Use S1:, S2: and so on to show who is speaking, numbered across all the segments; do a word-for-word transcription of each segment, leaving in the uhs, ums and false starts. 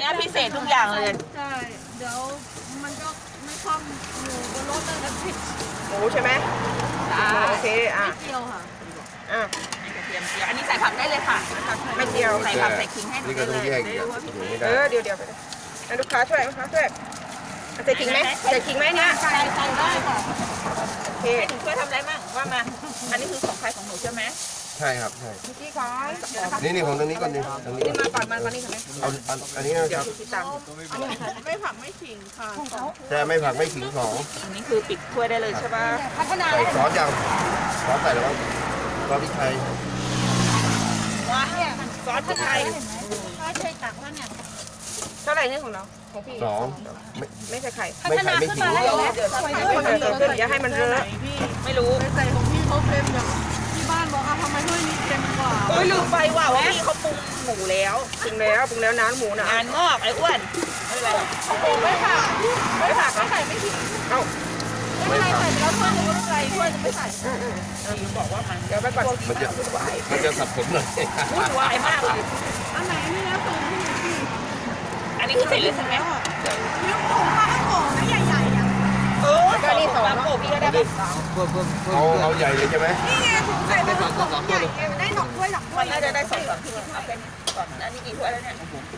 S1: นี้พิเศษทุกอย่างเลย
S2: ใช่เดี๋ยวมันก็ไม่คล่องหมูบนรถเลยนะพี่
S3: หมูใช่ไหมโอเคอ่ะ
S2: ไม่เกี่ยวค่ะ
S3: อ่ะ
S1: กระเทียมเจียวอันนี้ใส่ผักได้เลยค่ะ
S3: ไม่เกี่ยว
S1: ใส่ผักใส่ขิงให้
S4: นี่ก็
S1: ได้
S4: ต้อง
S1: เลย
S4: แยกอีกอ่ะอยู่ไม่
S3: เอ
S4: ได้
S3: อเดี๋ยวเดี๋ยวไปเลยอ่ะลูกค้าช่วยลูกค้าช่วยใส่ขิงไหมใส่ขิงไหมเนี่ย
S1: ใส่ใส่ได้ค่ะ
S3: โอเค
S1: ให้หนูช่วยทำอะไรบ้างว่ามา อันนี้คือของใครของหนูใช่ไหม
S4: ใช่ครับใช่
S3: พี่ขอเดี๋ยวนะคะ
S4: นี่นี่ของตรงนี้ก่อนดิตรงนี้
S3: นี่มาก่อนมาก่อนนี่ค่ะแม่
S4: เอาอันอันนี้นะ
S3: เดี๋
S4: ค
S3: ยว
S4: รับ
S3: คิดตังค์
S2: ไม่ผักไม่ขิงค่ะ
S4: แต่ไม่ผักไม่ขิงของ
S1: อันนี้คือปิดถ้วยได้เลยใช่ป่ะ
S2: พัฒนา
S4: ใส่ซอสยังซอสใส่แล้วมั้งซอสพริกไทย
S1: ว้าซอสพริกไทย
S2: ไม่ใช่ตักแล้วเนี่ย
S3: เท่าไหร่เนี่ยของเราของพี่
S4: สองไม่
S3: ไม่ใส่ไข่
S4: ไม่ไข่ไม่ขิง
S3: เดี๋ยวเดี๋ยวให้มันเกิดขึ้นอย่าให้มันเรอะ
S2: พี่
S1: ไม่รู้
S2: ไปใส่ของพี่เขาเค็มอย่างที่บ้านบอกอ่ะทำไมถ้วยนี้เค็มกว่า
S1: โอ้ยลืมไปว่าว่าพี่เขาปรุงหมูแล้ว
S3: ปรุงแล้วปรุงแล้วน้ำหมูนะ
S1: งานงอกไอ้อ้วนไม่เป็นไรหรอก
S2: ไม่ผัก
S3: ไม่ผัก
S2: ไม่ใส่ไม่ขิง
S3: เอ้า
S2: ไม่เป็นไรใส่ไปแล้วถ้วยนึงก็ไม่เป็นไรถ้วยนึงไม่ใส่
S1: พี่บอกว่ามัน
S3: เดี๋ยวไปก่อน
S4: มันจะมันจะสับสนหน่อย
S1: วุ่นวายมากเลย
S2: อันไหนนี่แล้วสูงที่พี่
S1: อันนี้คือเสร็จเลยใช่ไหม
S2: นิ้วโป่งปลากระโป่งนะใหญ่ๆอ่ะ
S1: เออก็นี่สองโกพี่ก็ได้ปะ
S4: เอาเอาใหญ่เลยใช่ไหม
S2: นี่ไงถุงใส่ปลากระโป่งใหญ่ไงได้หนอกถ้วยหลักถ้ว
S1: มั
S2: ย
S1: นน่าจะได้สองสามถ้วยเอาแค่นี้ก่อนอันนี้กี่ถ้วยแล้วเนี่ย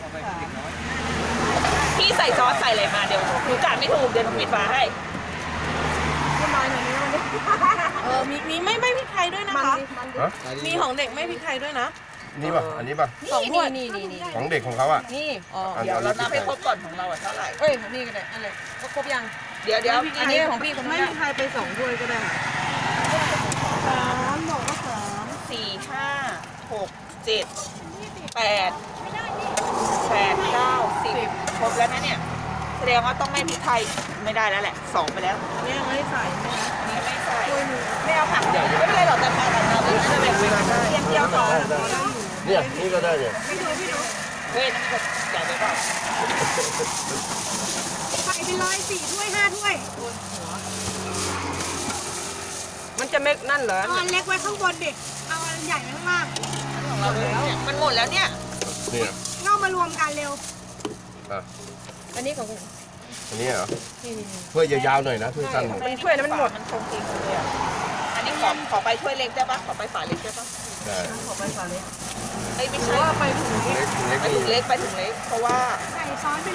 S1: พี่ใส่ซอสใส่อะไรมาเดี๋ยวหนูกะไม่ถูกเดี๋ยวหนูปิดฝาให้
S2: ขึ้นมาหน่อยนี้มันเออมีมีไม่ไม่พริกไทยด้วยนะคะ
S4: ฮะ
S2: มีของเด็กไม่พริกไทยด้วยนะ
S4: นี่ป่ะอันนี้ป่ะ
S2: สองถ้วยนี่นี่นี่
S4: ของเด็กของเขาอ่ะ
S2: นี่อ๋อ
S4: อัน
S1: เดี๋ยว
S4: อัน
S1: เรา
S4: นี้
S1: นับให้ครบก่อนของเราอะเท่าไหร่
S2: เอ้ยนี่ก็ได้อะไรก็ครบยัง
S1: เดี๋ยวเดี๋ยว
S2: อันนี้ของพี่คนไม่พริกไทยไปสองถ้วยก็ได้สามบอกว่าสาม
S1: สี่ห้าหกเจ็ดแปดแปดเก้าสิบครบแล้วนะเนี่ยแสดงว่าต้องไม่พริกไทยไม่ได้แล้วแหละสองไปแล้ว
S2: เนี่ยไม่ได้ใส่ไหมนะ
S1: นี่ไม่ใส่
S2: ถ้วยหนึง
S1: ไม่เอาผักเดี๋ยวไม่เป็นไรหรอกแต่ผักของเราไม่ได้แบ่งเวลาได้เทียมเดียวก่อน
S4: เนี่ยนี่ก็ได้เนี่ย
S1: เฮ้ยนั่นก็ใหญ่ไปเปล่า
S2: ใส่ไปเลยสี่ถ้วยห้าถ้วย
S3: มันจะไม่นั่นเหรอ
S2: เอาอันเล็กไว้ข้างบนดิเอาอันใหญ่ไว้ข้างล่าง
S1: ของเราแล้วเนี่ยมันหมดแล้วเนี่ย
S4: เนี่ย
S2: เง่ามารวมกันเร็ว
S4: อ่ะ
S2: อันนี้ของ
S4: อันนี้เหรอถ้วยยาวๆหน่อยนะถ้วยสั้นหน่อย
S3: มันถ้วยนั้นมันหมด
S1: มันคงทิ้งเลยอ่ะอันนี้ขอขอไปถ้วยเล็กได้ปะขอไปฝาเล็กได้ปะ
S4: ได้
S1: ขอไปฝาเล็กไอ้ยไม่ใช่
S2: ว่าไปถุง
S4: เล็กเล็ก
S1: ไป
S4: นี่
S1: ถึงเล็กไปถึงเล็กเพราะว่า
S2: ใส่ซอสไป